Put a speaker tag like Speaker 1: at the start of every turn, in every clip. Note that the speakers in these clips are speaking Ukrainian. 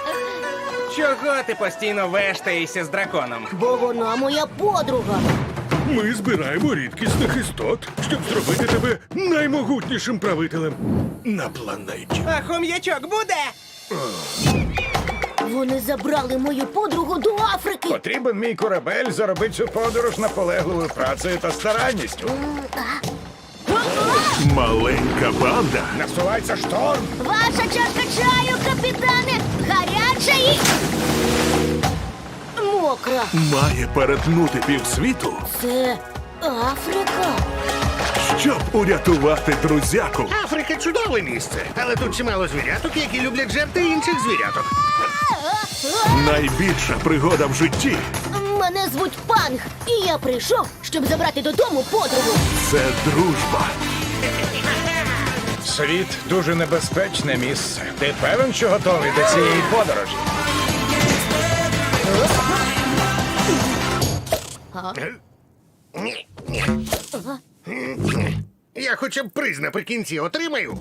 Speaker 1: Чого ти постійно вештаєшся з драконом?
Speaker 2: Бо вона моя подруга.
Speaker 3: Ми збираємо рідкісних істот, щоб зробити тебе наймогутнішим правителем на планеті.
Speaker 1: А хом'ячок буде?
Speaker 2: Вони забрали мою подругу до Африки.
Speaker 4: Потрібен мій корабель заробити цю подорож наполегливою працею та старанністю.
Speaker 3: Маленька банда
Speaker 4: Насувається шторм.
Speaker 2: Ваша чашка чаю, капітане, гаряча і... мокра.
Speaker 3: має перетнути півсвіту,
Speaker 2: Це Африка.
Speaker 3: щоб урятувати друзяку.
Speaker 5: Африка чудове місце, але тут чимало звіряток, які люблять жерти інших звіряток.
Speaker 3: Найбільша пригода в житті
Speaker 2: Мене звуть Панг, і я прийшов, щоб забрати додому подругу.
Speaker 3: – це дружба.
Speaker 4: Світ дуже небезпечне місце. Ти певен, що готовий до цієї подорожі?
Speaker 5: Ні, ні. Я хоча б приз наприкінці отримаю.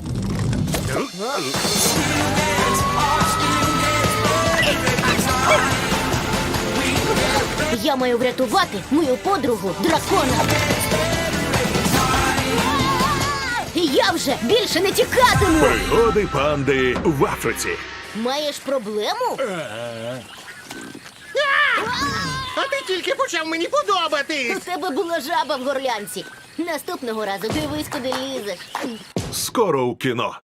Speaker 2: Я маю врятувати мою подругу дракона. Я вже більше не тікатиму.
Speaker 3: Пригоди панди в Африці.
Speaker 2: Маєш проблему?
Speaker 5: А ти тільки почав мені подобатись.
Speaker 2: У тебе була жаба в горлянці. Наступного разу дивись, куди лізеш.
Speaker 3: Скоро у кіно.